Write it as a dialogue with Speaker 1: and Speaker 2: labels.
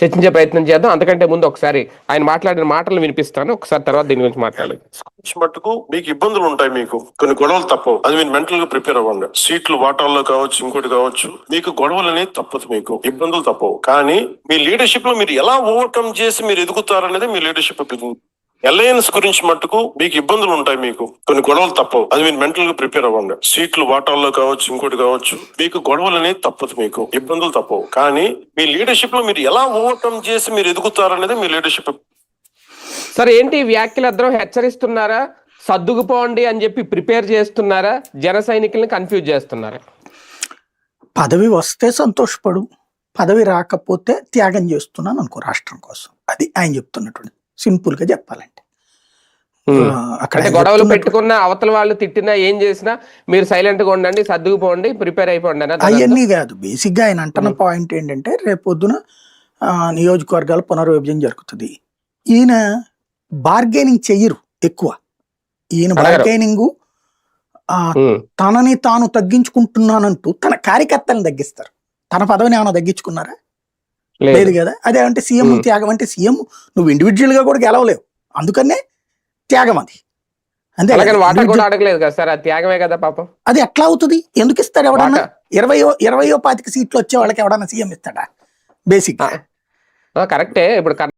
Speaker 1: చర్చించే ప్రయత్నం చేద్దాం. అంతకంటే ముందు ఒకసారి ఆయన మాట్లాడిన మాటలు వినిపిస్తాను, ఒకసారి తర్వాత దీని గురించి మాట్లాడాలి.
Speaker 2: మట్టుకు మీకు ఇబ్బందులు ఉంటాయి, మీకు కొన్ని గొడవలు తప్పవు. అది మీరు మెంటల్ గా ప్రిపేర్ అవ్వండి. సీట్లు వాటాల్లో కావచ్చు, ఇంకోటి కావచ్చు, మీకు గొడవలు అనేది తప్పదు, మీకు ఇబ్బందులు తప్పవు. కానీ మీ లీడర్షిప్ లో మీరు ఎలా ఓవర్కమ్ చేసి మీరు ఎదుగుతారనేది మీ లీడర్షిప్. అలయన్స్ గురించి మట్టుకు మీకు ఇబ్బందులు ఉంటాయి, మీకు కొన్ని గొడవలు తప్పవు. అది మీరు మెంటల్ గా ప్రిపేర్ అవ్వండి. సీట్లు వాటాల్లో కావచ్చు, ఇంకోటి కావచ్చు, మీకు గొడవలు అనేది తప్పదు, మీకు ఇబ్బందులు తప్పవు. కానీ మీ లీడర్షిప్ లో మీరు ఎలా ఓవర్కమ్ చేసి మీరు ఎదుగుతారనేది మీ లీడర్షిప్.
Speaker 1: సార్ ఏంటి వ్యాఖ్యలు అందరం హెచ్చరిస్తున్నారా, సర్దుకుపోండి అని చెప్పి ప్రిపేర్ చేస్తున్నారా, జన సైనికుల్ని కన్ఫ్యూజ్ చేస్తున్నారా?
Speaker 3: పదవి వస్తే సంతోషపడు, పదవి రాకపోతే త్యాగం చేస్తున్నాను అనుకో రాష్ట్రం కోసం. అది ఆయన చెప్తున్నటువంటి సింపుల్ గా చెప్పాలంటే.
Speaker 1: అక్కడ గొడవలు పెట్టుకున్న అవతల వాళ్ళు తిట్టినా ఏం చేసినా మీరు సైలెంట్ గా ఉండండి, సర్దుకుపోండి, ప్రిపేర్ అయిపోండి అని
Speaker 3: అవన్నీ కాదు. బేసిక్ గా ఆయన అంటున్న పాయింట్ ఏంటంటే రేపొద్దున నియోజకవర్గాల పునర్విభజన జరుగుతుంది. ఈయన బార్గెనింగ్ చెయ్యరు ఎక్కువ. ఈయన బార్గెనింగ్ తనని తాను తగ్గించుకుంటున్నానంటూ తన కార్యకర్తలను తగ్గిస్తారు. తన పదవిని ఏమైనా తగ్గించుకున్నారా? లేదు కదా. అదే అంటే సీఎం త్యాగం అంటే సీఎం నువ్వు ఇండివిజువల్ గా కూడా గెలవలేవు, అందుకనే త్యాగం అది. అంతే.
Speaker 1: త్యాగమే కదా పాపం.
Speaker 3: అది ఎట్లా అవుతుంది? ఎందుకు ఇస్తాడు? ఎవడన్నా 20 25 సీట్లు వచ్చే వాళ్ళకి ఎవడన్నా సీఎం ఇస్తాడా? బేసిక్
Speaker 1: కరెక్టే. ఇప్పుడు